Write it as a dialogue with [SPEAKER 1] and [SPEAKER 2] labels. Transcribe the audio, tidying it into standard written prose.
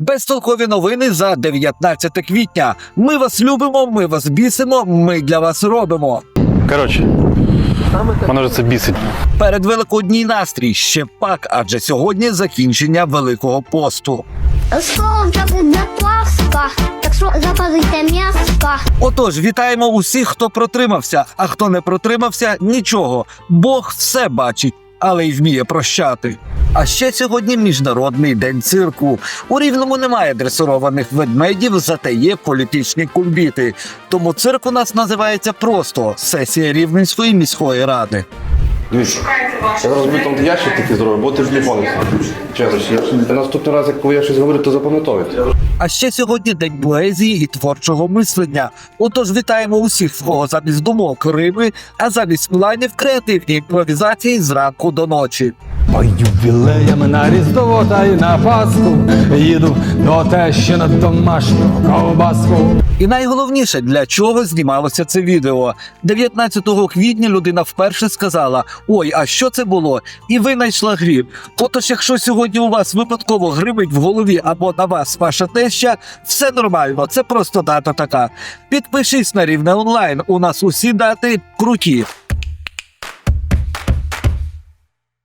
[SPEAKER 1] Безтолкові новини за 19 квітня. Ми вас любимо, ми вас бісимо, ми для вас робимо.
[SPEAKER 2] Коротше, мене вже це бісить.
[SPEAKER 1] Перед Великодній настрій ще пак, адже сьогодні закінчення Великого посту.
[SPEAKER 3] Скоро вже буде Пасха, так що запалите м'ясо.
[SPEAKER 1] Отож, вітаємо усіх, хто протримався, а хто не протримався – нічого. Бог все бачить, але й вміє прощати. А ще сьогодні Міжнародний день цирку. У Рівному немає дресированих ведмедів, зате є політичні кульбіти. Тому цирк у нас називається просто «Сесія Рівненської міської ради».
[SPEAKER 4] Дивіться, я зараз буду там ящик такий зробив, бо ти ж не пам'ятаєш. Чесно, наступний раз, коли я щось говорю, то запам'ятовуйте.
[SPEAKER 1] А ще сьогодні день поезії і творчого мислення. Отож вітаємо усіх, в кого замість думок Рими, а замість планів креативні імпровізації зранку до ночі.
[SPEAKER 5] По ювілеям на Різдво та й на Пасху їду до тещі на домашню ковбаску.
[SPEAKER 1] І найголовніше, для чого знімалося це відео. 19 квітня людина вперше сказала: «Ой, а що це було?» І винайшла гріб. Отож, якщо сьогодні у вас випадково гримить в голові або на вас ваша теща, все нормально, це просто дата така. Підпишись на Рівне онлайн, у нас усі дати круті.